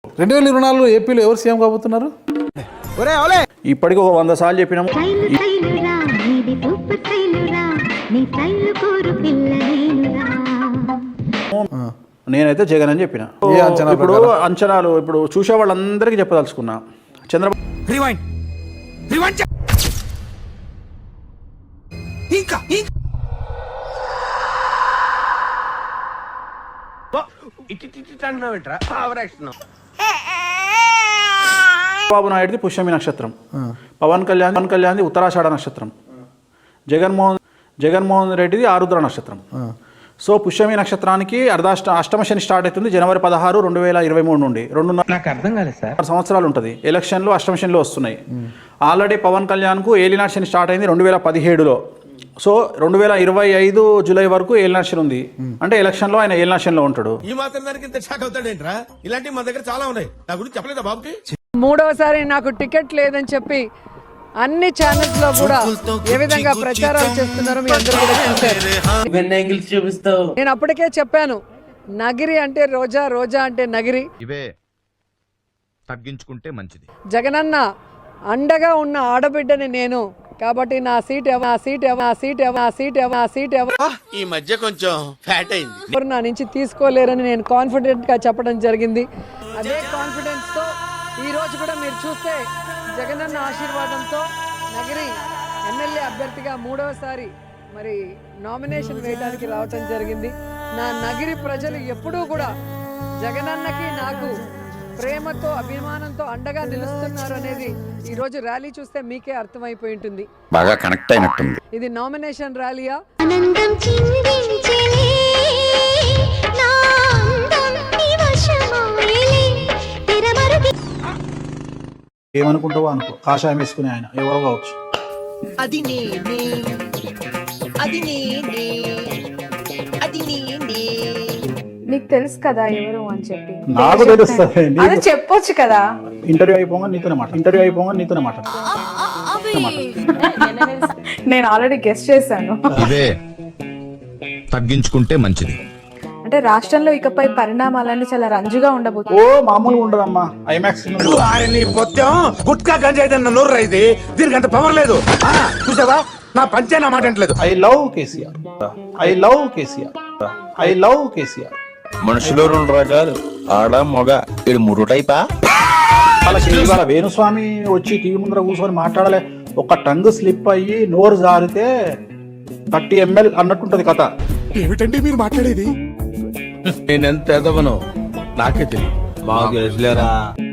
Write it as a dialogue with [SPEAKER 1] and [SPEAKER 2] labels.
[SPEAKER 1] 2024 ఏపీలో ఎవరు సీఎం కాబోతున్నారు?
[SPEAKER 2] ఇప్పటికి ఒక 100 సార్లు చెప్పినాము. నేనైతే జగన్ అని చెప్పిన. ఇప్పుడు అంచనాలు ఇప్పుడు చూసే వాళ్ళందరికీ చెప్పదలుచుకున్నా. చంద్రబాబు బాబు నాయుడుది పుష్యమి నక్షత్రం, పవన్ కళ్యాణ్ది ఉత్తరాషాఢ నక్షత్రం, జగన్మోహన్ రెడ్డిది ఆరుద్ర నక్షత్రం. సో పుష్యమి నక్షత్రానికి అష్టమ శని స్టార్ట్ అవుతుంది జనవరి 16, 2023 నుండి 2.5 సంవత్సరాలు ఉంటుంది. ఎలక్షన్లు అష్టమ శనిలో వస్తున్నాయి. ఆల్రెడీ పవన్ కళ్యాణ్కు ఏలినాటి శని స్టార్ట్ అయింది 2017లో. సో 2025 జూలై వరకు ఏలినాటి శని ఉంది. అంటే ఎలక్షన్లో ఆయన ఏలినాటి శనిలో ఉంటాడు.
[SPEAKER 3] ఈ మాత్రం దానికి ఇంత షాక్ అవుతాడేంట్రా? ఇలాంటి మా దగ్గర చాలా ఉన్నాయి. నా గురించి చెప్పలేదా బాబుకి?
[SPEAKER 4] మూడవసారి నాకు టికెట్ లేదని చెప్పి అన్ని ఛానల్స్ లో కూడా ఏ విధంగా ప్రచారాలు చేస్తున్నారో మీ అందరూ కూడా చూస్తారు. నేను అప్పటికే చెప్పాను, నగిరి అంటే రోజా, రోజా అంటే నగిరి.
[SPEAKER 5] ఇవే తగ్గించుకుంటే మంచిది.
[SPEAKER 4] జగనన్న అండగా ఉన్న ఆడబిడ్డని నేను, కాబట్టి నా సీట్
[SPEAKER 3] ఈ మధ్య కొంచెం ఫ్యాట్ అయింది.
[SPEAKER 4] ఎవరు నా నుంచి తీసుకోలేరని నేను కాన్ఫిడెంట్ గా చెప్పడం జరిగింది. అదే కాన్ఫిడెన్స్ తో ఈ రోజు కూడా మీరు చూస్తే జగనన్న ఆశీర్వాదంతో నగిరి ఎమ్మెల్యే అభ్యర్థిగా 3వసారి మరి నామినేషన్ వేయడానికి రావటం జరిగింది. నా నగిరి ప్రజలు ఎప్పుడూ కూడా జగనన్నకి నాకు ప్రేమతో అభిమానంతో అండగా నిలుస్తున్నారు అనేది ఈ రోజు ర్యాలీ చూస్తే మీకే అర్థమైపోయి ఉంటుంది.
[SPEAKER 6] బాగా కనెక్ట్ అయినట్టుంది.
[SPEAKER 4] ఇది నామినేషన్ ర్యాలీయా?
[SPEAKER 1] ఏమనుకుంటావో అనుకో, కాషాయం వేసుకునే ఆయన ఎవరో కావచ్చు.
[SPEAKER 7] నీకు తెలుసు కదా ఎవరు అని చెప్పి.
[SPEAKER 1] నాకు తెలుస్తుంది.
[SPEAKER 7] అదే చెప్పొచ్చు కదా.
[SPEAKER 1] ఇంటర్వ్యూ అయిపోగా నీతోనే మాట.
[SPEAKER 7] నేను ఆల్రెడీ గెస్ట్ చేశాను.
[SPEAKER 5] ఇవే తగ్గించుకుంటే మంచిది.
[SPEAKER 7] అంటే రాష్ట్రంలో ఇకపై పరిణామాలన్నీ చాలా రంజుగా ఉండబోతుంది.
[SPEAKER 1] ఓ మామూలుగా ఉండదమ్మా. ఐమాక్స్
[SPEAKER 3] గుట్కా గంజాయిదన్న నోరు రైది, దీనికంత పవర్ లేదు. చూసావా, నా పంచే నా మాట అంటలేదు.
[SPEAKER 1] I love KCR.
[SPEAKER 6] మనుషులు 2 రకాలు, ఆడ మగ. ఇది 3 టైపా?
[SPEAKER 1] వాళ్ళకి ఇవాళ వేణుస్వామి వచ్చి టీవీ ముందర కూర్చొని మాట్లాడలే, ఒక టంగ్ స్లిప్ అయ్యి నోరు జారితే 30 ml అన్నట్టుంటది కథ.
[SPEAKER 3] ఏమిటండి మీరు మాట్లాడేది?
[SPEAKER 6] నేనెంత ఎదవనో నాకే తెలియదు. బాగా తెలుసులేరా.